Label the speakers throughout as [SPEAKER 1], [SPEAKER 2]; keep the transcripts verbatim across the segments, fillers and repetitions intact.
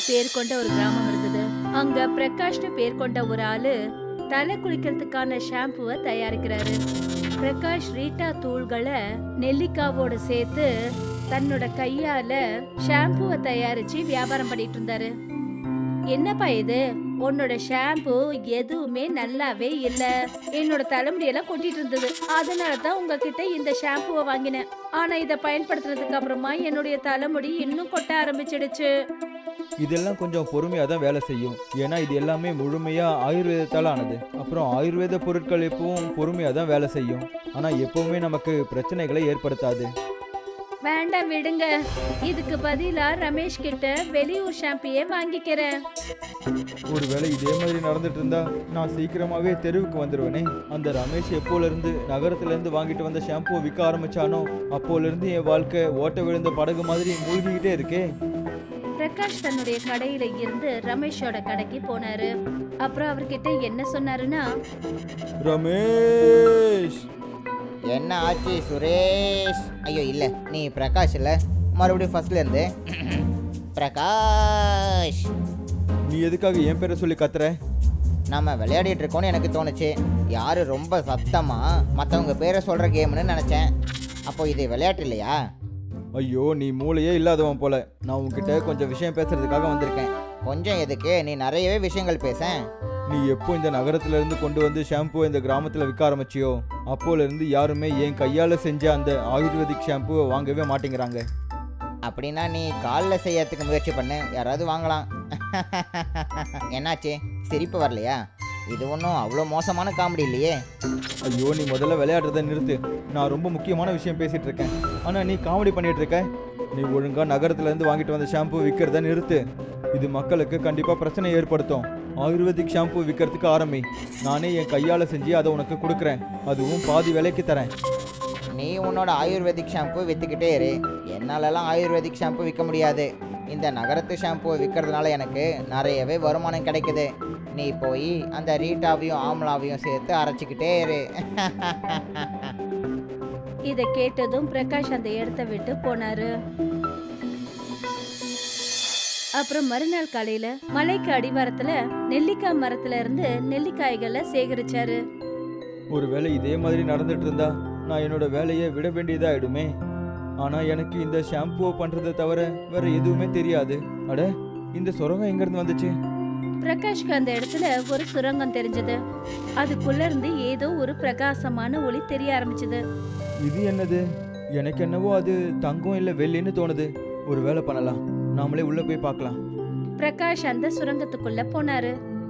[SPEAKER 1] பேர் கொண்ட ஒரு கிராமம் இருந்தது. அங்க பிரகாஷ்னு பேர் கொண்ட ஒரு ஆளு தலை குளிக்கிறதுக்கான ஷாம்புவை தயாரிக்கிறாரு. பிரகாஷ் ரீட்டா தூள்களை நெல்லிக்காவோட சேர்த்து தன்னோட கையால ஷாம்புவை தயாரிச்சு வியாபாரம் பண்ணிட்டு இருந்தாரு. என்னப்பா இது, உன்னோட ஷாம்பு எதுவுமே நல்லாவே இல்ல, என்னோட தலைமுடியெல்லாம் கொட்டிட்டு இருந்தது, அதனாலதான் உங்ககிட்ட இந்த ஷாம்புவை வாங்கினேன். ஆனா இத பயன்படுத்துறதுக்கு அப்புறமா என்னுடைய தலைமுடி இன்னும் கொட்ட ஆரம்பிச்சிடுச்சு.
[SPEAKER 2] இதெல்லாம் கொஞ்சம் பொறுமையாக தான் வேலை செய்யும். ஏன்னா இது எல்லாமே முழுமையாக ஆயுர்வேதத்தால் ஆனது. அப்புறம் ஆயுர்வேத பொருட்கள் எப்பவும் பொறுமையாக தான் வேலை செய்யும். ஆனால் எப்பவுமே நமக்கு பிரச்சனைகளை ஏற்படுத்தாது.
[SPEAKER 1] வேண்டாம் விடுங்க, இதுக்கு பதிலா ரமேஷ் கிட்ட வெளியூர் ஷாம்பியே வாங்கிக்கிறேன்.
[SPEAKER 2] ஒருவேளை இதே மாதிரி நடந்துட்டு இருந்தா நான் சீக்கிரமாவே தெருவுக்கு வந்துடுவேனே. அந்த ரமேஷ் எப்போல இருந்து நகரத்துல இருந்து வாங்கிட்டு வந்த ஷாம்புவை விற்க ஆரம்பிச்சானோ அப்போல இருந்து என் வாழ்க்கை ஓட்ட விழுந்த படகு மாதிரி மூழ்கிக்கிட்டே இருக்கே.
[SPEAKER 1] பிரகாஷ் தன்னுடைய கடையில இருந்து ரமேஷோட கடைக்கு போனாரு. அப்புறம் அவர்கிட்ட என்ன சொன்னாருன்னா,
[SPEAKER 2] ரமேஷ்,
[SPEAKER 3] என்ன ஆச்சு சுரேஷ்? ஐயோ இல்லை, நீ பிரகாஷ் இல்லை, மறுபடியும் ஃபர்ஸ்ட்ல இருந்து. பிரகாஷ்,
[SPEAKER 2] நீ எதுக்காக என் பேரை சொல்லி கத்துற?
[SPEAKER 3] நம்ம விளையாடிட்டு இருக்கோன்னு எனக்கு தோணுச்சு. யாரு ரொம்ப சத்தமா மற்றவங்க பேரை சொல்கிற கேம்னு நினச்சேன். அப்போ இது விளையாட்டு இல்லையா?
[SPEAKER 2] ஐயோ, நீ மூளையே இல்லாதவன் போல. நான் உன்கிட்ட கொஞ்சம் விஷயம் பேசுறதுக்காக வந்திருக்கேன்.
[SPEAKER 3] கொஞ்சம் எதுக்கு, நீ நிறையவே விஷயங்கள் பேச.
[SPEAKER 2] நீ எப்போ இந்த நகரத்துல இருந்து கொண்டு வந்து ஷாம்புவை இந்த கிராமத்தில் விற்க ஆரம்பிச்சியோ அப்போல இருந்து யாருமே என் கையால் செஞ்ச அந்த ஆயுர்வேதிக் ஷாம்புவை வாங்கவே மாட்டேங்கிறாங்க.
[SPEAKER 3] அப்படின்னா நீ காலில் செய்யறதுக்கு முயற்சி பண்ணு, யாராவது வாங்கலாம். என்னாச்சு, சிரிப்பு வரலையா? இது ஒன்றும் அவ்வளோ மோசமான காமெடி இல்லையே.
[SPEAKER 2] ஐயோ, நீ முதல்ல விளையாடுறத நிறுத்து. நான் ரொம்ப முக்கியமான விஷயம் பேசிட்டு இருக்கேன், ஆனால் நீ காமெடி பண்ணிட்டு இருக்க. நீ ஒழுங்கா நகரத்துல இருந்து வாங்கிட்டு வந்த ஷாம்பு விற்கிறத நிறுத்து. இது மக்களுக்கு கண்டிப்பாக பிரச்சனை ஏற்படுத்தும். ஆயுர்வேதிக் ஷாம்பு விற்கிறதுக்கு ஆரம்பி. நானே என் கையால் செஞ்சு அதை உனக்கு கொடுக்குறேன், அதுவும் பாதி விலைக்கு தரேன்.
[SPEAKER 3] நீ உன்னோட ஆயுர்வேதிக் ஷாம்பு விற்றுக்கிட்டே இரு. என்னாலலாம் ஆயுர்வேதிக் ஷாம்பு விற்க முடியாது. இந்த நகரத்து ஷாம்புவை விற்கிறதுனால எனக்கு நிறையவே வருமானம் கிடைக்குது. நீ போய் அந்த ரீட்டாவையும் ஆம்லாவையும் சேர்த்து அரைச்சிக்கிட்டே இரு.
[SPEAKER 1] இதை கேட்டதும் பிரகாஷ் அந்த இடத்த விட்டு போனாரு. அப்புறம் மறுநாள் காலையில மலைக்கு அடிவாரத்துல நெல்லிக்காய் மரத்துல இருந்து நெல்லிக்காய்களை சேகரிச்சாரு.
[SPEAKER 2] ஒருவேளை இதே மாதிரி நடந்துட்டு இருந்தா நான் என்னோட வேலையை விட வேண்டியதாயிடுமே. ஆனா எனக்கு இந்த ஷாம்புவை பண்றதை தவிர வேற எதுவுமே தெரியாது. அட, இந்த சுரங்கம் எங்க இருந்து வந்துச்சு?
[SPEAKER 1] பிரகாஷ்க்கு அந்த இடத்துல ஒரு சுரங்கம் தெரிஞ்சது. அதுக்குள்ள இருந்து ஏதோ ஒரு பிரகாசமான ஒளி தெரிய ஆரம்பிச்சது.
[SPEAKER 2] இது என்னது? எனக்கு என்னவோ அது தங்கம் இல்ல வெள்ளின்னு தோணுது. ஒரு வேலை பண்ணலாம், நாமளே உள்ள போய் பார்க்கலாம்.
[SPEAKER 1] பிரகாஷ் அந்த சுரங்கத்துக்குள்ள போனாரு.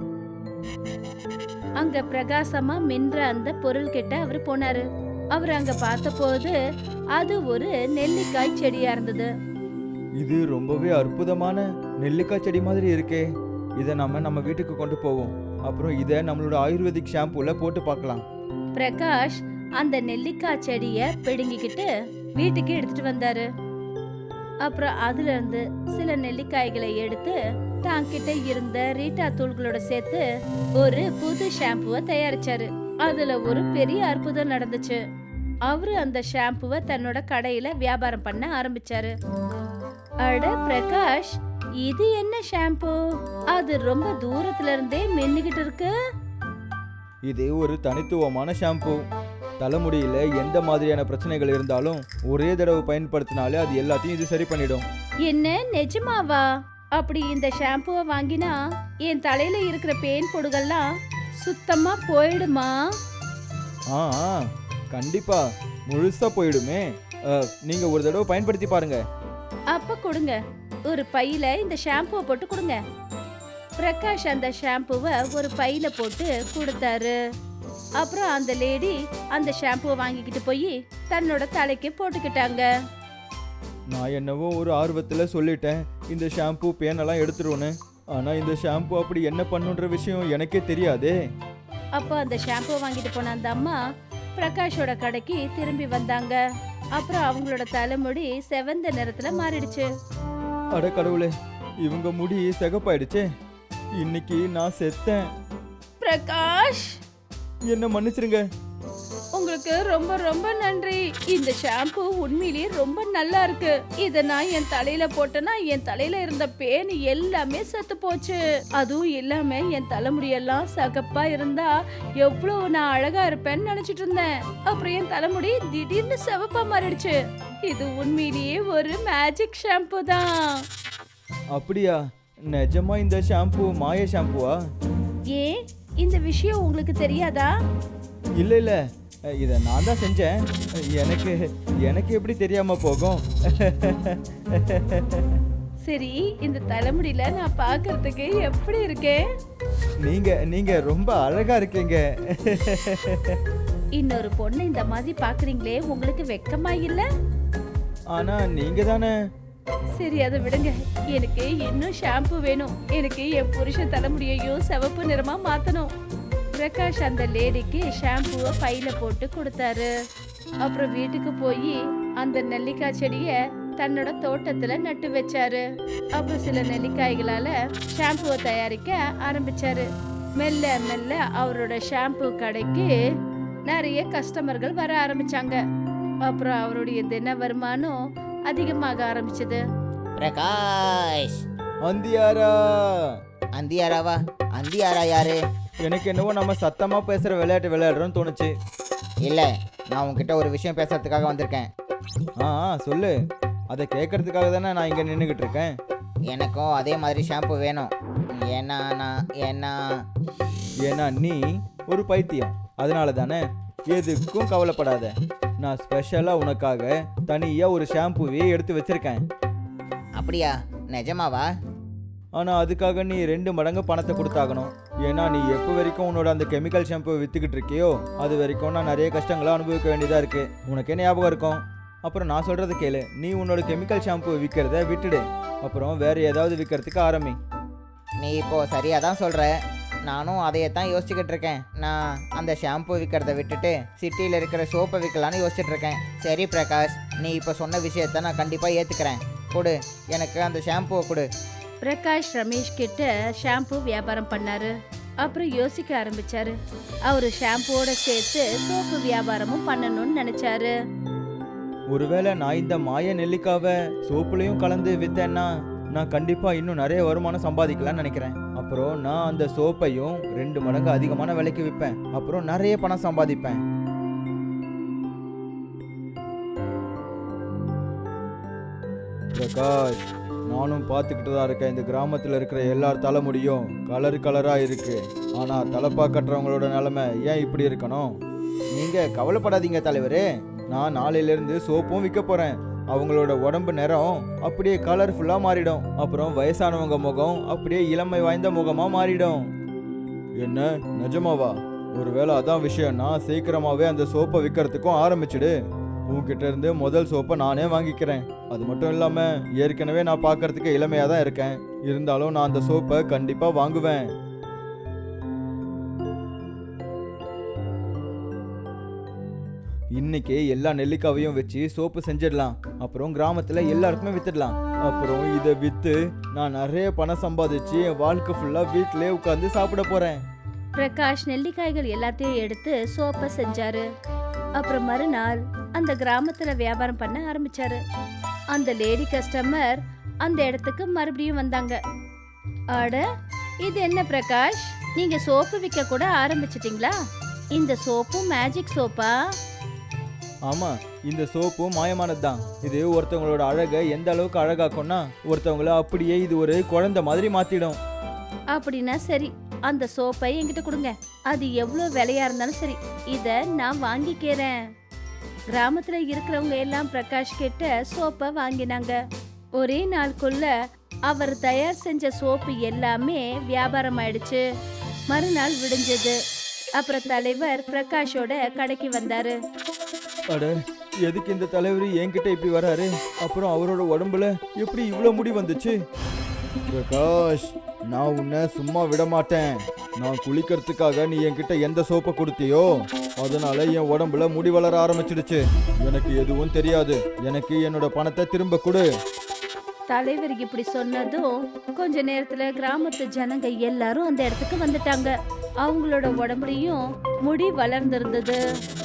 [SPEAKER 1] அங்க பிரகாசமா மின்ற அந்த பொருள் கிட்ட அவர் போனாரு. அவர் அங்க பார்த்த போது அது ஒரு நெல்லிக்காய் செடியா இருந்தது.
[SPEAKER 2] இது ரொம்பவே அற்புதமான நெல்லிக்காய் செடி மாதிரி இருக்கே. இதை நம்ம நம்ம வீட்டுக்கு கொண்டு போவோம். அப்புறம் இதை நம்மளோட ஆயுர்வேதிக் ஷாம்புல போட்டு பார்க்கலாம்.
[SPEAKER 1] பிரகாஷ் அந்த நெல்லிக்காய் செடிய பிடுங்கிக்கிட்டு வீட்டுக்கு எடுத்துட்டு வந்தாரு. அப்புறம் அதுல இருந்து சில நெல்லிக்காய்களை எடுத்து தாங்கிட்ட இருந்த ரீட்டா தூள்களோட சேர்த்து ஒரு புது ஷாம்புவை தயாரிச்சாரு. அதுல ஒரு பெரிய அற்புதம் நடந்துச்சு. அவரு அந்த ஷாம்புவை தன்னோட கடையில வியாபாரம் பண்ண ஆரம்பிச்சாரு. அட பிரகாஷ், இது என்ன ஷாம்பு? அது ரொம்ப தூரத்துல இருந்தே மின்னுகிட்டு இருக்கு.
[SPEAKER 2] இது ஒரு தனித்துவமான ஷாம்பு. தலைமுடியில எந்த மாதிரியான பிரச்சனைகள் இருந்தாலும் ஒரே தடவை பயன்படுத்தினாலே அது எல்லாத்தையும் இது சரி பண்ணிடும்.
[SPEAKER 1] என்ன, நிஜமாவா? அப்படி இந்த ஷாம்புவை வாங்கினா என் தலையில இருக்கிற பேன் பொடுகெல்லாம் சுத்தமா போயிடுமா?
[SPEAKER 2] ஆ ஆ, கண்டிப்பா முழுசா போயிடுமே. அஹ், நீங்க ஒரு தடவை பயன்படுத்தி பாருங்க.
[SPEAKER 1] அப்ப கொடுங்க, ஒரு பையில இந்த ஷாம்புவை போட்டு கொடுங்க. பிரகாஷ் அந்த ஷாம்புவை ஒரு பையில போட்டு கொடுத்தாரு. அப்புறம் அந்த லேடி அந்த ஷாம்புவை வாங்கிக்கிட்டு போய் தன்னோட தலைக்கு போட்டுக்கிட்டாங்க.
[SPEAKER 2] நான் என்னவோ ஒரு ஆர்வத்தில் சொல்லிட்டேன் இந்த ஷாம்பு பேனெல்லாம் எடுத்துருவோன்னு. ஆனால் இந்த ஷாம்பு அப்படி என்ன பண்ணுன்ற விஷயம் எனக்கே தெரியாதே.
[SPEAKER 1] அப்போ அந்த ஷாம்புவை வாங்கிட்டு போன அந்த அம்மா பிரகாஷோட கடைக்கு திரும்பி வந்தாங்க. அப்புறம் அவங்களோட தலைமுடி செவந்த நிறத்துல மாறிடுச்சு.
[SPEAKER 2] அட கடவுளே, இவங்க முடி சிகப்பாயிடுச்சே. இன்னைக்கு நான் செத்தேன்.
[SPEAKER 1] பிரகாஷ்,
[SPEAKER 2] என்ன மன்னிச்சிருங்க.
[SPEAKER 1] உங்களோட உங்களுக்கு ரொம்ப ரொம்ப நன்றி. இந்த ஷாம்பு உண்மையிலேயே ரொம்ப நல்லா இருக்கு. இத நான் என் தலையில போட்டேன்னா என் தலையில இருந்த பேன் எல்லாமே செத்து போச்சு. அதுவும் இல்லாம என் தலைமுடியெல்லாம் சகப்பா இருந்தா எவ்வளவு நான் அழகா இருப்பேன்னு நினைச்சிட்டு இருந்தேன். அப்புறம் என் தலைமுடி திடீர்னு சிவப்பா மாறிடுச்சு. இது உண்மையிலேயே ஒரு மேஜிக் ஷாம்பு தான்.
[SPEAKER 2] அப்படியா? நிஜமா இந்த ஷாம்பு மாய ஷாம்புவா?
[SPEAKER 1] ஏன் இந்த விஷயம் உங்களுக்கு தெரியாதா?
[SPEAKER 2] இல்ல இல்ல, இதை நான் தான் செஞ்சேன். எனக்கு எனக்கு எப்படி தெரியாம போகும்?
[SPEAKER 1] சரி, இந்த தலைமுடியில நான் பார்க்கிறதுக்கு எப்படி இருக்கேன்?
[SPEAKER 2] நீங்க நீங்க ரொம்ப அழகா இருக்கீங்க.
[SPEAKER 1] இன்னொரு பொண்ணு இந்த மாதிரி பாக்குறீங்களே, உங்களுக்கு வெக்கமா இல்ல?
[SPEAKER 2] ஆனா நீங்க தானே.
[SPEAKER 1] சரி, அதை விடுங்க. எனக்கு இன்னும் ஷாம்பு வேணும். எனக்கு என் புருஷன் தலைமுடியையும் சிவப்பு நிறமா மாத்தணும். பிரகாஷ் அந்த லேடிக்கு ஷாம்புவை பையில போட்டு கொடுத்தாரு. அப்புறம் வீட்டுக்கு போய் அந்த நெல்லிக்காய் செடிய தன்னோட தோட்டத்துல நட்டு வச்சாரு. அப்புறம் சில நெல்லிக்காய்களால ஷாம்புவை தயாரிக்க ஆரம்பிச்சாரு. மெல்ல மெல்ல அவரோட ஷாம்பு கடைக்கு நிறைய கஸ்டமர்கள் வர ஆரம்பிச்சாங்க. அப்புறம் அவருடைய தின வருமானம் அதிகமாக ஆரம்பிச்சது.
[SPEAKER 3] பிரகாஷ்,
[SPEAKER 2] அந்தியாரா.
[SPEAKER 3] அந்தியாராவா? அந்தியாரா யாரு?
[SPEAKER 2] எனக்கு என்னவோ நம்ம சத்தமா பேசுற விளையாட்டு விளையாடுறோம்னு தோணுச்சு.
[SPEAKER 3] இல்ல, நான் உன்கிட்ட ஒரு விஷயம் பேசுறதுக்காக வந்திருக்கேன்.
[SPEAKER 2] ஆ ஆ, சொல்லு. அதை கேட்கறதுக்காக தானே நான் இங்க நின்றுகிட்டு இருக்கேன்.
[SPEAKER 3] எனக்கும் அதே மாதிரி ஷாம்பு வேணும். ஏன்னா நான் ஏன்னா
[SPEAKER 2] ஏன்னா நீ ஒரு பைத்தியம். அதனால தானே. எதுக்கும் கவலைப்படாத. நான் ஸ்பெஷலாக உனக்காக தனியாக ஒரு ஷாம்புவே எடுத்து வச்சிருக்கேன்.
[SPEAKER 3] அப்படியா? நிஜமாவா?
[SPEAKER 2] ஆனால் அதுக்காக நீ ரெண்டு மடங்கு பணத்தை கொடுத்தாகணும். ஏன்னா நீ எப்போ வரைக்கும் உன்னோட அந்த கெமிக்கல் ஷாம்புவை விற்றுக்கிட்டு இருக்கியோ அது வரைக்கும் நான் நிறைய கஷ்டங்களை அனுபவிக்க வேண்டியதாக இருக்குது. உனக்கே ஞாபகம் இருக்கும். அப்புறம் நான் சொல்கிறது கேளு. நீ உன்னோட கெமிக்கல் ஷாம்புவை விற்கிறத விட்டுடு. அப்புறம் வேறு ஏதாவது விற்கிறதுக்கு ஆரம்பி.
[SPEAKER 3] நீ இப்போ சரியாக தான் சொல்கிற. நானும் அதையே தான் யோசிச்சுக்கிட்டு இருக்கேன். நான் அந்த ஷாம்பு விற்கிறத விட்டுட்டு சிட்டியில் இருக்கிற சோப்பை விற்கலான்னு யோசிச்சுட்டு இருக்கேன். சரி பிரகாஷ், நீ இப்போ சொன்ன விஷயத்த நான் கண்டிப்பாக ஏற்றுக்கிறேன். கொடு, எனக்கு அந்த ஷாம்புவை கொடு.
[SPEAKER 1] பிரகாஷ் ரமேஷ் கிட்ட ஷாம்பு வியாபாரம் பண்ணாரு. அப்புறம் யோசிக்க ஆரம்பிச்சாரு. அவரு ஷாம்புவோட சேர்த்து சோப்பு வியாபாரமும் பண்ணணும்னு நினைச்சாரு.
[SPEAKER 2] ஒருவேளை நான் இந்த மாய நெல்லிக்காவை சோப்புலையும் கலந்து விற்றேன்னா நான் கண்டிப்பாக இன்னும் நிறைய வருமானம் சம்பாதிக்கலாம்னு நினைக்கிறேன். அப்புறம் நான் அந்த சோப்பையும் ரெண்டு மடங்கு அதிகமான விலைக்கு விற்பேன். அப்புறம் நிறைய பணம் சம்பாதிப்பேன். பிரகாஷ், நானும் பார்த்துக்கிட்டு தான் இருக்கேன். இந்த கிராமத்தில் இருக்கிற எல்லார் தலைமுடியும் கலர் கலராக இருக்கு. ஆனால் தலைப்பா கட்டுறவங்களோட நிலைமை ஏன் இப்படி இருக்கணும்? நீங்கள் கவலைப்படாதீங்க தலைவரே. நான் நாளையிலேருந்து சோப்பும் விற்க போகிறேன். அவங்களோட உடம்பு நிறம் அப்படியே கலர்ஃபுல்லாக மாறிடும். அப்புறம் வயசானவங்க முகம் அப்படியே இளமை வாய்ந்த முகமாக மாறிடும். என்ன, நிஜமாவா? ஒருவேளை அதான் விஷயம்னா சீக்கிரமாகவே அந்த சோப்பை விற்கிறதுக்கும் ஆரம்பிச்சிடு. உன்கிட்ட இருந்து முதல் சோப்பை நானே வாங்கிக்கிறேன். அது மட்டும் இல்லாமல் ஏற்கனவே நான் பார்க்கறதுக்கு இளமையாக தான் இருக்கேன். இருந்தாலும் நான் அந்த சோப்பை கண்டிப்பாக வாங்குவேன். இன்னைக்கு எல்லா நெல்லிக்காவையும் வச்சு சோப்பு செஞ்சிடலாம். அப்புறம் கிராமத்தில் எல்லாருக்குமே வித்துடலாம். அப்புறம் இதை விற்று நான் நிறைய பணம் சம்பாதிச்சு என் வாழ்க்கை ஃபுல்லாக வீட்டிலே உட்காந்து சாப்பிட போகிறேன்.
[SPEAKER 1] பிரகாஷ் நெல்லிக்காய்கள் எல்லாத்தையும் எடுத்து சோப்பை செஞ்சாரு. அப்புறம் மறுநாள் அந்த கிராமத்துல வியாபாரம் பண்ண ஆரம்பிச்சாரு. அந்த லேடி கஸ்டமர் அந்த இடத்துக்கு மறுபடியும் வந்தாங்க. அட, இது என்ன பிரகாஷ், நீங்க சோப்பு விற்க கூட ஆரம்பிச்சிட்டீங்களா? இந்த சோப்பு மேஜிக் சோப்பா?
[SPEAKER 2] ஆமாம், இந்த சோப்பும் மாயமானது தான். இது ஒருத்தவங்களோட அழகை எந்த அளவுக்கு அழகாக்கும்னா ஒருத்தவங்கள அப்படியே இது ஒரு குழந்தை மாதிரி மாற்றிடும்.
[SPEAKER 1] அப்படின்னா சரி, அந்த சோப்பை என்கிட்ட கொடுங்க. அது எவ்வளோ விலையா இருந்தாலும் சரி, இதை நான் வாங்கிக்கிறேன். கிராமத்துல இருக்கிறவங்க எல்லாம் பிரகாஷ் கிட்ட சோப்பை வாங்கினாங்க. ஒரே நாளுக்குள்ள அவர் தயார் செஞ்ச சோப்பு எல்லாமே வியாபாரம் ஆயிடுச்சு. மறுநாள் விடிஞ்சது. அப்புறம் தலைவர் பிரகாஷோட கடைக்கு வந்தாரு.
[SPEAKER 2] அட, எதுக்கு இந்த தலைவர் என்கிட்ட இப்படி வராரு? அப்புறம் அவரோட உடம்புல எப்படி இவ்வளோ முடி வந்துச்சு? பிரகாஷ், நான் உன்னை சும்மா விட மாட்டேன். நான் குளிக்கிறதுக்காக நீ என்கிட்ட எந்த சோப்பை கொடுத்தியோ அதனால என் உடம்புல முடி வளர ஆரம்பிச்சிடுச்சு. எனக்கு எதுவும் தெரியாது. எனக்கு என்னோட பணத்தை திரும்ப கொடு.
[SPEAKER 1] தலைவர் இப்படி சொன்னதும் கொஞ்ச நேரத்துல கிராமத்து ஜனங்க எல்லாரும் அந்த இடத்துக்கு வந்துட்டாங்க. அவங்களோட உடம்புலையும் முடி வளர்ந்திருந்தது.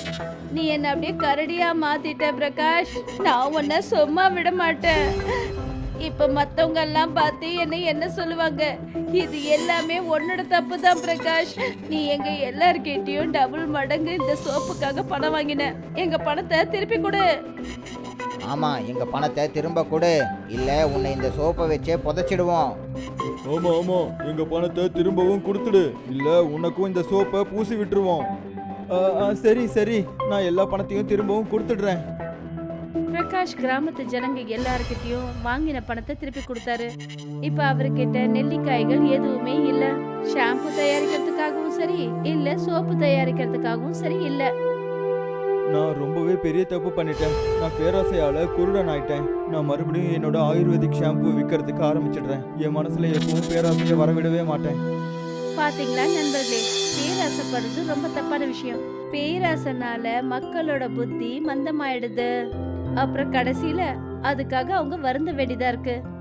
[SPEAKER 1] நீ என்ன அப்படியே கரடியா மாத்திட்ட பிரகாஷ். நான் உன்னை சும்மா விட மாட்டேன். இப்ப மத்தவங்க எல்லாம் பார்த்து என்ன என்ன சொல்லுவாங்க? இது எல்லாமே உன்னோட தப்பு தான் பிரகாஷ். நீ எங்க எல்லார்கிட்டயும் டபுள் மடங்கு இந்த சோப்புக்காக பணம் வாங்கின. எங்க பணத்தை திருப்பி கொடு.
[SPEAKER 3] ஆமா, எங்க பணத்தை திரும்ப கொடு, இல்ல உன்னை இந்த சோப்பை வச்சே புதைச்சிடுவோம்.
[SPEAKER 2] ஆமா ஆமா, எங்க பணத்தை திரும்பவும் கொடுத்துடு, இல்ல உனக்கும் இந்த சோப்பை பூசி விட்டுருவோம். ஆ, ஆ, சரி சரி, நான் எல்லா பணத்தையும் திரும்பவும் கொடுத்துடுறேன்.
[SPEAKER 1] பிரகாஷ் கிராமத்து ஜனங்க எல்லார்கிட்டயும் வாங்கின பணத்தை திருப்பி கொடுத்தாரு. இப்ப அவர்கிட்ட நெல்லிக்காய்கள் எதுவுமே இல்ல. ஷாம்பு தயாரிக்கிறதுக்காகவும் சரி இல்ல, சோப்பு தயாரிக்கிறதுக்காகவும் சரி இல்ல.
[SPEAKER 2] நான் ரொம்பவே பெரிய தப்பு பண்ணிட்டேன். நான் பேராசையால குருடன் ஆயிட்டேன். நான் மறுபடியும் என்னோட ஆயுர்வேதிக் ஷாம்பு விற்கிறதுக்கு ஆரம்பிச்சிடுறேன். என் மனசுல எப்பவும் பேராசையை வரவிடவே மாட்டேன்.
[SPEAKER 1] பாத்தீங்களா நண்பர்களே, பேராசைப்படுறது ரொம்ப தப்பான விஷயம். பேராசைனால மக்களோட புத்தி மந்தமாயிடுது. அப்புறம் கடைசியில அதுக்காக அவங்க வருந்த வேண்டியதா இருக்கு.